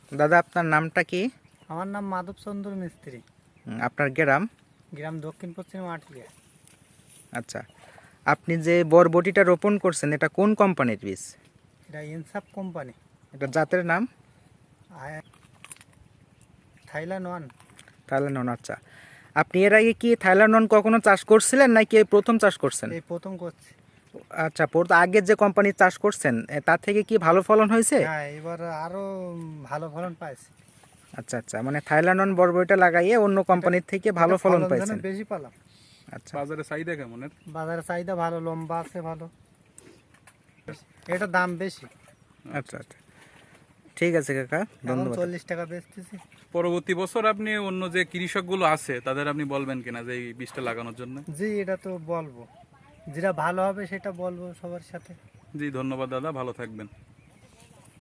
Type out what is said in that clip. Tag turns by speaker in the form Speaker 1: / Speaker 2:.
Speaker 1: দাদা আপনার নামটা কি?
Speaker 2: আমার নাম মাধব চন্দ্র মিস্ত্রি।
Speaker 1: আপনার গ্রাম?
Speaker 2: গ্রাম দক্ষিণ পশ্চিম আটলিয়া।
Speaker 1: আচ্ছা, আপনি যে বরবটিটা রোপণ করছেন এটা কোন কোম্পানির বীজ?
Speaker 2: এটা ইনসাফ কোম্পানি,
Speaker 1: এটা জাতের নাম?
Speaker 2: Thailand one.
Speaker 1: থাইল্যান্ড। আচ্ছা, আপনি এর আগে কি থাইল্যান্ড কখনো চাষ করছিলেন নাকি এই প্রথম চাষ করছেন?
Speaker 2: এই প্রথম করছি।
Speaker 1: আচ্ছা, আগের যে কোম্পানির চাষ করছেন তার থেকে কি ভালো ফলন হয়েছে?
Speaker 2: হ্যাঁ, এবার আরো ভালো ফলন পাইছি।
Speaker 1: আচ্ছা আচ্ছা, মানে থাইল্যান্ড বরবটিটা লাগাইয়ে অন্য কোম্পানির থেকে ভালো ফলন পাইছেন।
Speaker 2: বেশি পেলাম।
Speaker 1: আচ্ছা,
Speaker 3: বাজারে চাহিদা কেমন এর?
Speaker 2: বাজারে চাহিদা ভালো, লম্বা আছে ভালো, এটা দাম বেশি।
Speaker 1: আচ্ছা আচ্ছা, ঠিক আছে কাকা,
Speaker 2: এখন
Speaker 1: ধন্যবাদ।
Speaker 2: 40 টাকা বেচতেছি।
Speaker 3: পরবর্তী বছর আপনি অন্য যে কৃষকগুলো আছে তাদের আপনি বলবেন কিনা যে এই বীজটা লাগানোর জন্য?
Speaker 2: জি, এটা তো বলবো, যেটা ভালো হবে সেটা বলবো সবার সাথে।
Speaker 3: জি ধন্যবাদ দাদা, ভালো থাকবেন।